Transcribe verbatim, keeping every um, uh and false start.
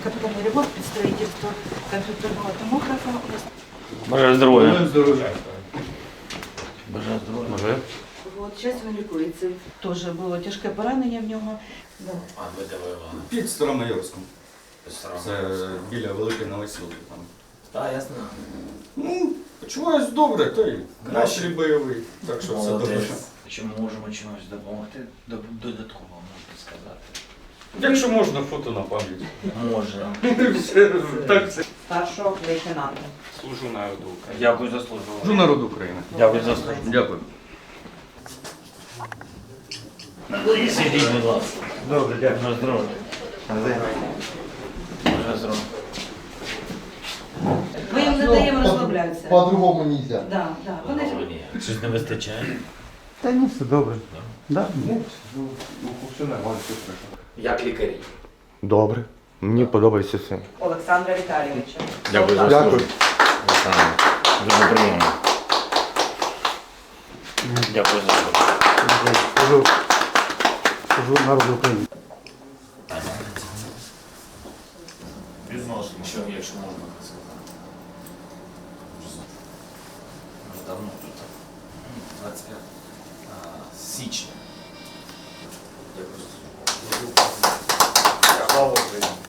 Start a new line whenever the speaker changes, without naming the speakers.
капитальный ремонт под строительство компьютерного томографа.
Бажаю здоров'я.
Бажаю здоров'я.
Бажаю здоров'я. Бажаю.
От, зараз він лікується. Теж було тяжке поранення в нього. Да.
А ви де воювали?
Під Старомайорськом.
Старому.
Це біля Великої Новосілки там.
Так, ясно.
Ну, почуваюсь добре, та й настрій бойовий, так що все добре.
Чи ми можемо чимось допомогти додатково, можна сказати?
Якщо можна, фото на пам'ять.
Може.
Так, все.
Старшого лейтенанта.
Служу народу України.
Дякую за службу.
Служу народу України.
Дякую за службу.
Дякую.
Сидіть, будь ласка. Добре, дякую. Бажаю здоров'я. Бажаю здоров'я.
Ми їм не даємо розслаблятися.
По-другому нельзя.
Да, да. Вони ж
Щось не вистачає?
Та ні, все добре. Да?
Ну, все нормально, все хорошо.
Як лікарі?
Добре. Мені подобається все.
Олександра Віталійовича.
Дякую за
Дякую.
службу. Олександр, дуже приємно. Дякую за службу.
Служу, служу народу України.
Відносно, що, якщо можна так сказати. Вже давно тут. двадцять п'ятого січня.